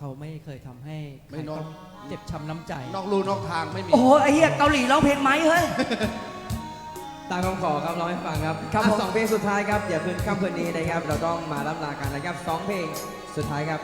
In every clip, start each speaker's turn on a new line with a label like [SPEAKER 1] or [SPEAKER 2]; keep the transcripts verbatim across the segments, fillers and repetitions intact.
[SPEAKER 1] เขาไม่เคยทำให้ใคร
[SPEAKER 2] ไม่นอก
[SPEAKER 1] ต้องเจ็บช้ำน้ำใจ
[SPEAKER 2] นอกลู่นอกทางไม่มี
[SPEAKER 3] โอ้โหไอ้เหี้ยเกาหลีร้องเพลงไหมเฮ้ย
[SPEAKER 4] ตามคำขอครับร้องให้ฟังครับ
[SPEAKER 3] ครับ
[SPEAKER 4] อ่ะ
[SPEAKER 3] ผม
[SPEAKER 4] สองเพลงสุดท้ายครับอย่าคืนค่ำคืนนี้นะครับ เราต้องมาล่ำลากันนะครับสองเพลงสุดท้ายครับ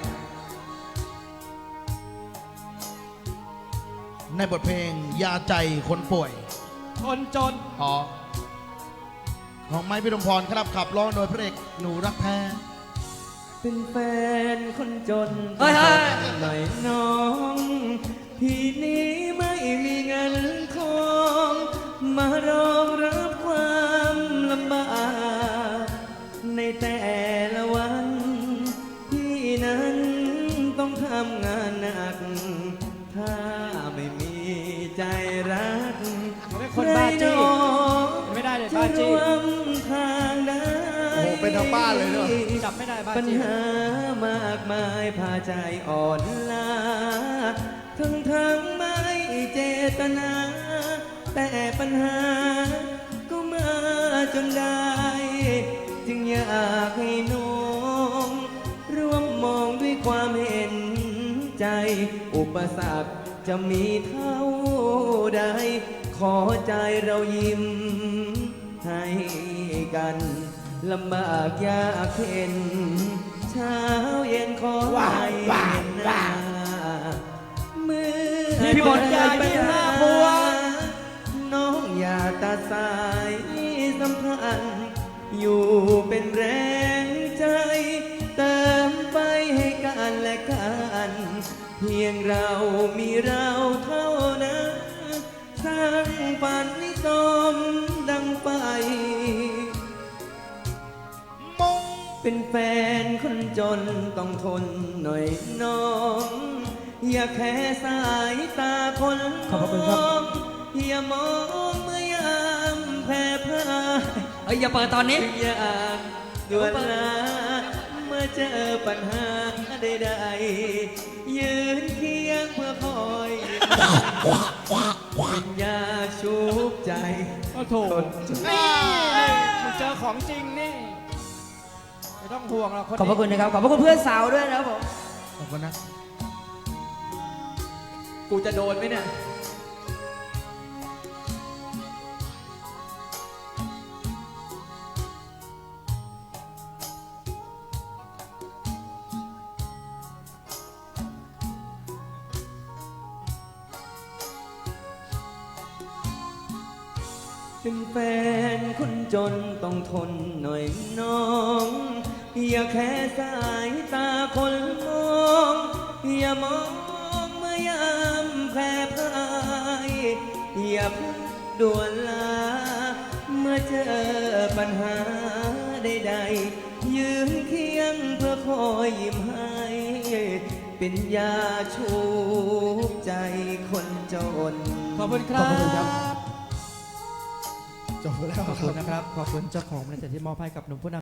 [SPEAKER 2] ในบทเพลงยาใจคนป่วย
[SPEAKER 1] คนจน
[SPEAKER 2] อ๋อของไม้พิรมพรครับขับร้องโดยพระเอกหนูรักแท้
[SPEAKER 4] เป็นแฟนคนจน
[SPEAKER 3] เฮ้ยเฮ้ย
[SPEAKER 4] หน่อยน้องพี่นี้ไม่มีเงินทองมารองรับความลำบากในแต่ละวันพี่นั้นต้องทำงานหนัก ถ้าไม่มีใจรัก
[SPEAKER 1] เขาเป็นคนบ้าจี้
[SPEAKER 4] ใรหนอ
[SPEAKER 1] ไม่ได้เลย
[SPEAKER 4] จะ
[SPEAKER 1] บ้าจี้
[SPEAKER 4] ร่วมทางได้
[SPEAKER 2] โอ้โหเป็นทั้งบ้านเลยเนอะ
[SPEAKER 1] จับไม่ได้บ้า
[SPEAKER 4] ปัญ
[SPEAKER 1] จี้
[SPEAKER 4] หามากมายพาใจอ่อนล้าทั้งทั้งไม่เจตนา แต่ปัญหาก็มาจนได้ จึงอยากให้น้องร่วมมองด้วยความเห็นใจ อุปสรรคจะมีเท่าใด ขอใจเรายิ้มให้กันลำบากยากเข็นเช้าเย็นขอให้เห็นหน้าเมื่อ
[SPEAKER 1] พี่บอลยายมีห้าพวง
[SPEAKER 4] น้องอย่าตัดสายสัมพันธ์อยู่เป็นแรงใจ เติมไฟให้กันและกัน เพียงเรามีเราเท่านั้นสร้างฝันให้สมดังไฟ
[SPEAKER 2] มง
[SPEAKER 4] เป็นแฟนคนจนต้องทนหน่อยน้อง อย่าแค่สายตาคน
[SPEAKER 3] ขอบพระคุณครับ
[SPEAKER 4] มองอย่ามองเมื่อยามแพ้พ่าย
[SPEAKER 3] เฮ้ยอย่าเปิดตอนนี้
[SPEAKER 4] อยากด่วนลาเมื่อเจอปัญหาใดๆยืนเคียงเพื่อคอยวิญญาชุบใจ
[SPEAKER 1] โอ้โถนี่มึงเจอของจริงนี่ ไม่ต้องห่วงหรอกคน
[SPEAKER 3] ขอบพระคุณนะครับ ขอบพระคุณเพื่อนสาวด้วยนะครับผม
[SPEAKER 2] ขอบคุณนะ
[SPEAKER 4] กูจะโดนไหมเนี่ย เป็นแฟนคนจนต้องทนหน่อยน้อง อย่าแค่สายตาคนมอง อย่ามองเมื่อยามแพ้พ่าย อย่าเพิ่งด่วนลา เมื่อเจอปัญหาใดๆยืนเคียงเพื่อคอยยิ้มให้ เป็นยาชูบใจคนจน
[SPEAKER 1] ขอบคุณครับ
[SPEAKER 3] ขอบคุณครับ
[SPEAKER 2] จบแล้ว
[SPEAKER 1] ขอบคุณนะครับ ขอบคุณเจ้าของบริษัทที่มอบให้กับหนุ่มผู้นำ